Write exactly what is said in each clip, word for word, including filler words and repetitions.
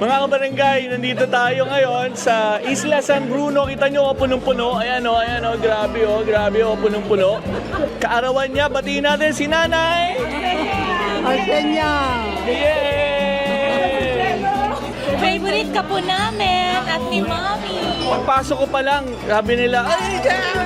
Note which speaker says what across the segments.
Speaker 1: Mga kabarangay, nandito tayo ngayon sa Isla San Bruno. Kita nyo, oh, punong-puno. Ayan o, oh, ayan o, oh, grabe o, oh, grabe o, oh, punong-puno. Kaarawan niya, batiin natin si Nanay!
Speaker 2: Arsenya!
Speaker 1: Yay!
Speaker 3: Favorite ka po namin at ni Mommy.
Speaker 1: Pagpasok ko pa lang, sabi nila, ay, dyan!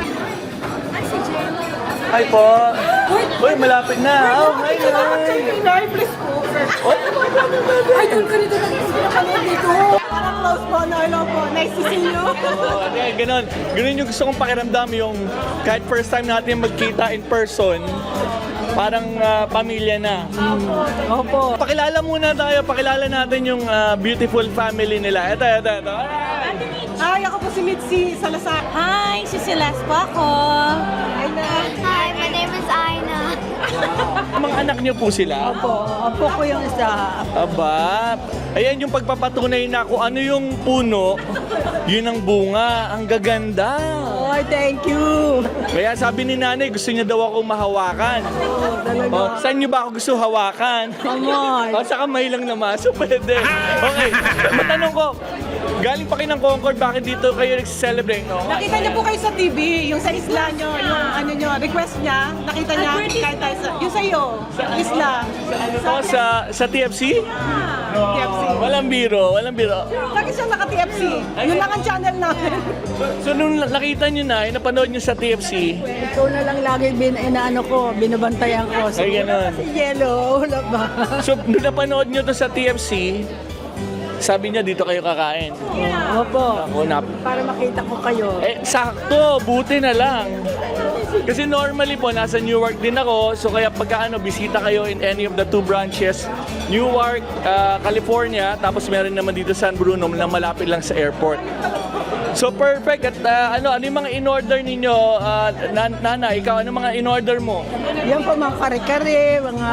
Speaker 1: Ay po. Uy, malapit na. Oh, hi, hi.
Speaker 2: Please po.
Speaker 1: Oh,
Speaker 2: Ay, doon ka nito na pinapanood dito. Parang close po, no? Hello po. Nice to see you.
Speaker 1: oh, okay, ganun. Ganun yung gusto kong pakiramdam, yung kahit first time natin magkita in person, parang uh, pamilya na.
Speaker 2: Opo.
Speaker 1: Pakilala muna tayo, pakilala natin yung uh, beautiful family nila. Ito, ito, ito.
Speaker 2: Hi, ako po si Mitzi Salazar.
Speaker 3: Hi, si Celeste po ako.
Speaker 2: Hi na.
Speaker 4: Hi, my name is Aina.
Speaker 1: Mga anak niyo po sila?
Speaker 2: Opo. Opo ko yung isa.
Speaker 1: Aba, ayan yung pagpapatunay na kung ano yung puno, yun ang bunga. Ang gaganda.
Speaker 2: Oh, thank you.
Speaker 1: Kaya sabi ni nanay, gusto niya daw ako mahawakan.
Speaker 2: Oh, talaga.
Speaker 1: Oh, saan niyo ba ako gusto hawakan?
Speaker 2: Come on.
Speaker 1: O, sa kamay lang naman. So, pwede. Okay. Matanong ko, galing pa kayo ng Concord, bakit dito kayo nag-celebrate? No?
Speaker 2: Nakita niyo po kayo sa T V, yung sa isla niyo, yung ano niyo, request niya, nakita niya, kahit tayo sa, yung sa iyo, isla.
Speaker 1: Ano to? Sa, sa T F C?
Speaker 2: T F C.
Speaker 1: Walang biro, walang biro.
Speaker 2: Lagi siya naka-T F C. Yun lang ang channel namin.
Speaker 1: So, nung nakita niyo na, eh, napanood niyo sa T F C,
Speaker 2: Ikaw na lang lagi bin, inaano ko, binabantayan ko. So,
Speaker 1: Ay, ganun.
Speaker 2: Si Yellow, wala ba?
Speaker 1: so, nung napanood niyo to sa T F C, sabi niya dito kayo kakain.
Speaker 2: Opo.
Speaker 1: Ako na.
Speaker 2: Para makita ko kayo.
Speaker 1: Eh, sakto, buti na lang. Kasi normally po, nasa Newark din ako. So kaya pagka ano, bisita kayo in any of the two branches, Newark, uh, California, tapos meron naman dito San Bruno na malapit lang sa airport. So perfect. At uh, ano, ano yung mga in-order ninyo? Uh, nan- Nana, ikaw, ano mga in-order mo?
Speaker 2: Yan po mga kare-kare, mga...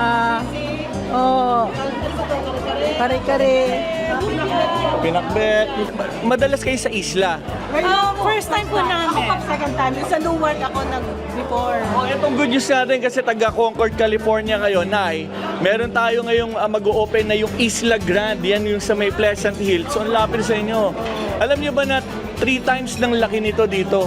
Speaker 2: Oh, kare-kare.
Speaker 1: Pinakbet. Madalas kayo sa isla.
Speaker 3: Ah, first time po namin.
Speaker 2: Ako second time. Sa Newark ako nag-before.
Speaker 1: Oh, itong good news natin kasi taga Concord, California kayo, Nay. Meron tayo ngayong uh, mag-o-open na yung Isla Grande. Yan yung sa may Pleasant Hill. So, ang lapit sa inyo. Alam niyo ba na three times ng laki nito dito?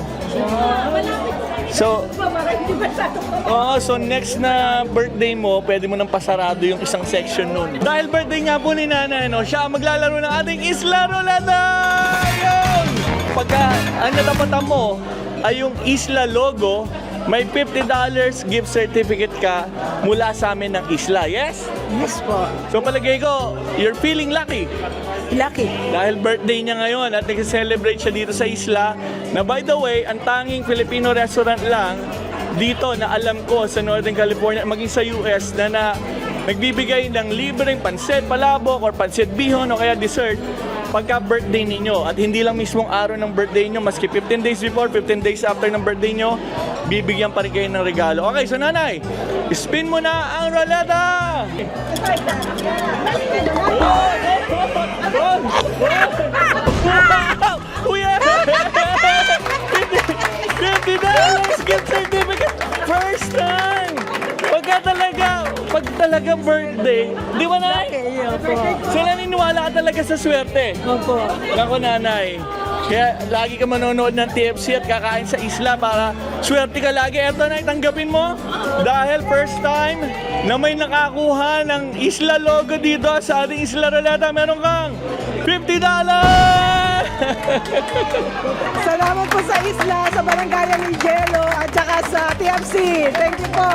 Speaker 1: So, oh, so next na birthday mo, pwede mo nang pasarado yung isang section nun. Dahil birthday nga po ni Nanay, no, siya ang maglalaro ng ating Isla Rolada! Yun! Pagka ang natapatan mo ay yung Isla logo, may fifty dollars gift certificate ka mula sa amin ng Isla. Yes?
Speaker 2: Yes po.
Speaker 1: So palagay ko, you're feeling lucky.
Speaker 2: Lucky.
Speaker 1: Dahil birthday niya ngayon at nag-celebrate siya dito sa isla na by the way, ang tanging Filipino restaurant lang dito na alam ko sa Northern California, maging sa U S na, na nagbibigay ng libreng pansit palabok or pansit bihon o kaya dessert pagka birthday ninyo. At hindi lang mismong araw ng birthday nyo, maski fifteen days before, fifteen days after ng birthday nyo, bibigyan pa rin kayo ng regalo. Okay, so Nanay, spin mo na ang roleta! Wow! Uy! fifty dollars gift certificate! First time! Pagka talaga, pag talaga birthday, di ba Nay?
Speaker 2: Okay, opo.
Speaker 1: So naniniwala ka talaga sa swerte?
Speaker 2: Opo.
Speaker 1: Nako Nanay, kaya lagi ka manonood ng T F C at kakain sa isla para swerte ka lagi. Eto na, tanggapin mo dahil first time na may nakakuha ng isla logo dito sa ating Isla Roleta, meron kang fifty dollars!
Speaker 2: Salamat po sa isla, sa barangayan ni Jello, at saka sa T F C. Thank you po.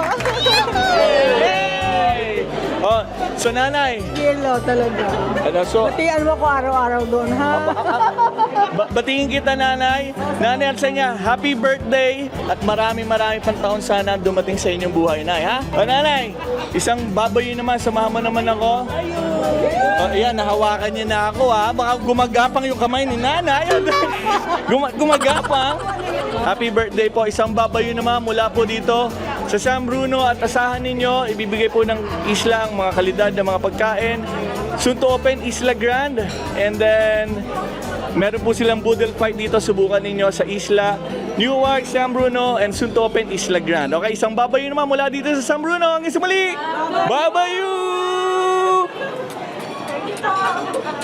Speaker 1: Hey! Oh, so Nanay,
Speaker 2: Jello talaga.
Speaker 1: ano, so,
Speaker 2: Batian mo ko araw-araw doon, ha?
Speaker 1: ba- batingin kita Nanay. Nanay Arsenya, happy birthday at marami marami pang taon sana dumating sa inyong buhay, Nay, ha? O Nanay, isang baboy naman, samahan mo naman ako. O, ayan, nahawakan niya na ako, ha? Baka gumagapang yung kamay ni Nanay. Guma- gumagapang. Happy birthday po. Isang babayo naman mula po dito sa San Bruno at asahan ninyo, ibibigay po ng isla ang mga kalidad ng mga pagkain. Soon to open Isla Grande. And then, meron po silang boodle fight dito. Subukan ninyo sa Isla Newark, San Bruno, and soon to open Isla Grande. Okay, isang babayo naman mula dito sa San Bruno. Ang isa muli, babayo!